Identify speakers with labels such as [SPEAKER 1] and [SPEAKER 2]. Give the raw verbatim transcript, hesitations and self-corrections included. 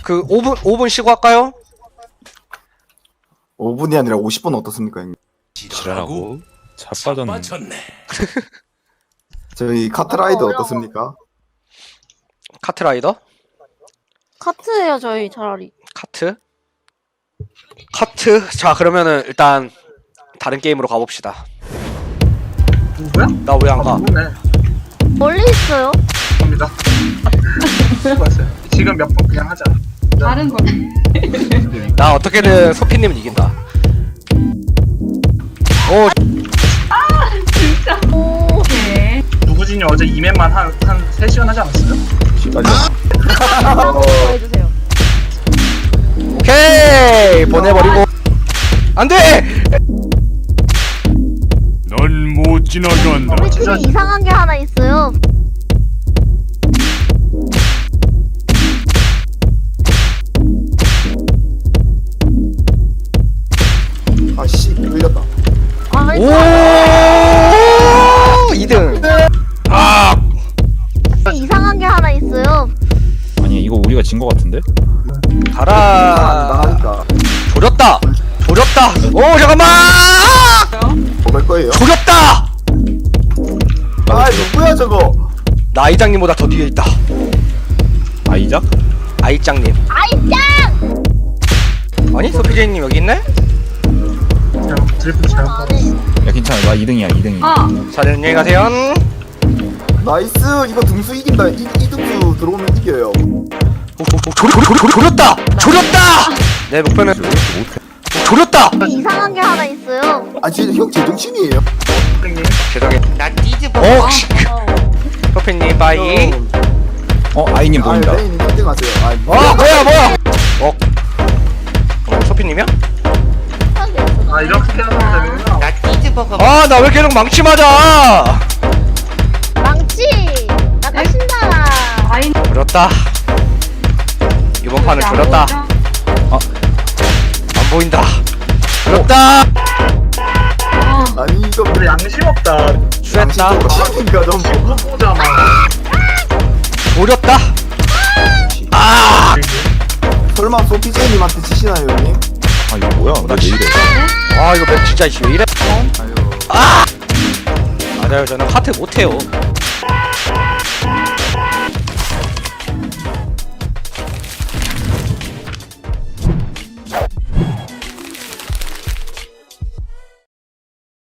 [SPEAKER 1] 그 오 분 오 분 쉬고 할까요?
[SPEAKER 2] 오 분이 아니라 오십 분 어떻습니까, 형님?
[SPEAKER 3] 지랄하고 자빠졌네.
[SPEAKER 2] 저희 카트라이드
[SPEAKER 4] 어려워.
[SPEAKER 2] 어떻습니까?
[SPEAKER 1] 카트라이더?
[SPEAKER 4] 카트예요 저희 차라리.
[SPEAKER 1] 카트? 카트? 자 그러면은 일단 다른 게임으로 가봅시다.
[SPEAKER 5] 누구야?
[SPEAKER 1] 나 왜 안 가?
[SPEAKER 5] 아, 누구네.
[SPEAKER 4] 멀리 있어요.
[SPEAKER 5] 갑니다. 수고했어요. 지금 몇 번 그냥 하자.
[SPEAKER 6] 다른 거.
[SPEAKER 1] 나 어떻게든 소피님은 이긴다. 오
[SPEAKER 6] 진짜.
[SPEAKER 4] 오.
[SPEAKER 6] 오케이.
[SPEAKER 5] 누구진이 어제 이맨만 한, 한 세 시간 하지 않았어요?
[SPEAKER 4] 한번 해주세요.
[SPEAKER 1] 오케이 보내버리고 안돼.
[SPEAKER 3] 넌 못 지나간다.
[SPEAKER 4] 우리 팀에 이상한 게 하나 있어요.
[SPEAKER 2] 아씨, 끌렸다.
[SPEAKER 4] 아,
[SPEAKER 1] 오 이 등. 아
[SPEAKER 4] 이상한 게 하나 있어요.
[SPEAKER 7] 아니 이거 우리가 진 거 같은데?
[SPEAKER 2] 안
[SPEAKER 1] 가라.
[SPEAKER 2] 나가니까
[SPEAKER 1] 조렸다. 조렸다. 오 잠깐만.
[SPEAKER 2] 먹을 거예요.
[SPEAKER 1] 조렸다.
[SPEAKER 2] 아, 누구야 저거?
[SPEAKER 1] 나 아이장님보다 더 뒤에 있다.
[SPEAKER 7] 아이작?
[SPEAKER 1] 아이짱님.
[SPEAKER 4] 아이짱!
[SPEAKER 1] 아니 소피제이님 여기 있네?
[SPEAKER 5] 잘못, 드리프트 잘못
[SPEAKER 4] 안
[SPEAKER 5] 받았어.
[SPEAKER 4] 해.
[SPEAKER 7] 야 괜찮아 나 이 등이야 이 등이.
[SPEAKER 6] 아,
[SPEAKER 1] 자 안녕히 가세요.
[SPEAKER 2] 나이스. 이거 등수 이긴다. 이, 이 등수 들어오면 이겨요.
[SPEAKER 1] 오, 조, 조, 조, 조, 조, 조, 조렸다. 조렸다. 내 목표는 조렸다.
[SPEAKER 4] 이상한 게 하나 있어요.
[SPEAKER 2] 아, 진짜 형 제정신이에요.
[SPEAKER 5] 선생님.
[SPEAKER 1] 죄송해. 나 뒤집어. 어. 소피님 바이.
[SPEAKER 7] 어 아이님 보인다.
[SPEAKER 2] 아, 레인이 일 등 하세요. 아,
[SPEAKER 1] 어 뭐야 뭐야. 어. 어 소피님이야?
[SPEAKER 5] 아, 이렇게 하면 되는구나.
[SPEAKER 1] 아 나 왜 계속 망치 맞아?
[SPEAKER 4] 망치! 나가신다!
[SPEAKER 6] 아이.
[SPEAKER 1] 조렸다. 이번 판은 조렸다. 안 보인다. 조렸다.
[SPEAKER 6] 어,
[SPEAKER 2] 아니 이거
[SPEAKER 5] 근데 양심 없다.
[SPEAKER 1] 수했다.
[SPEAKER 2] 그러니까 좀
[SPEAKER 5] 후보자만.
[SPEAKER 1] 조렸다. 아.
[SPEAKER 2] 설마 소피제이님한테 지시나요, 형님?
[SPEAKER 7] 아 이거 뭐야? 나 왜 이래?
[SPEAKER 1] 아 이거 맵 진짜 왜 이래?
[SPEAKER 2] 아유.
[SPEAKER 1] 맞아요 저는 카트 못해요.